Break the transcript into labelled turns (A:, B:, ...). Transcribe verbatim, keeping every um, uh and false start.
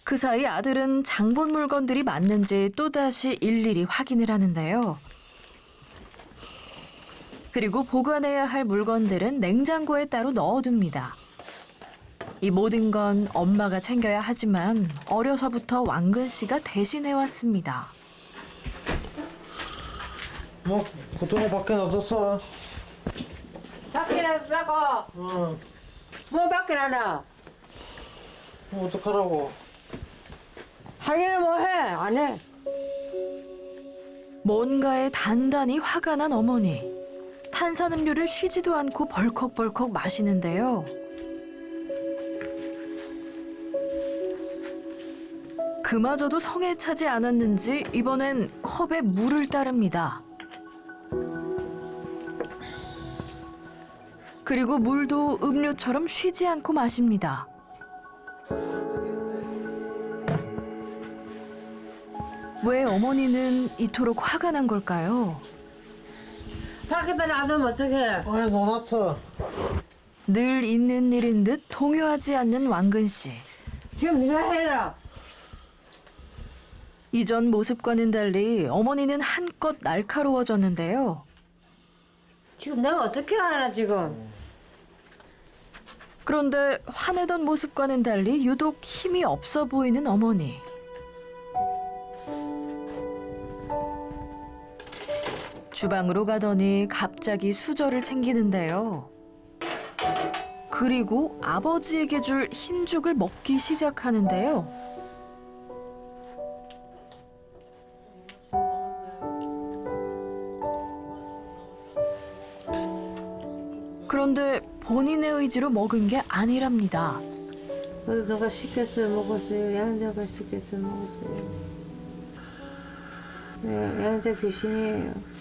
A: 그 사이 아들은 장본 물건들이 맞는지 또다시 일일이 확인을 하는데요. 그리고 보관해야 할 물건들은 냉장고에 따로 넣어둡니다. 이 모든 건 엄마가 챙겨야 하지만 어려서부터 왕근 씨가 대신해왔습니다.
B: 뭐 고등어 밖에 놔뒀어.
C: 밖에 놔두고
B: 응.
C: 뭐 밖에 놔놔?
B: 뭐 어떡하라고.
C: 하기는 뭐 해? 안 해?
A: 뭔가에 단단히 화가 난 어머니. 탄산음료를 쉬지도 않고 벌컥벌컥 마시는데요. 그마저도 성에 차지 않았는지 이번엔 컵에 물을 따릅니다. 그리고 물도 음료처럼 쉬지 않고 마십니다. 왜 어머니는 이토록 화가 난 걸까요?
C: 밖에다 놔두면 어떡해?
B: 아니 놀았어.
A: 늘 있는 일인 듯 동요하지 않는 왕근 씨.
C: 지금 네가 해라.
A: 이전 모습과는 달리 어머니는 한껏 날카로워졌는데요.
C: 지금 내가 어떻게 하나 지금?
A: 그런데 화내던 모습과는 달리 유독 힘이 없어 보이는 어머니. 주방으로 가더니 갑자기 수저를 챙기는데요. 그리고 아버지에게 줄 흰죽을 먹기 시작하는데요. 그런데 본인의 의지로 먹은 게 아니랍니다.
C: 어디 누가 시켰어요 먹었어요? 양자가 시켰어요 먹었어요. 네, 양자 귀신이에요.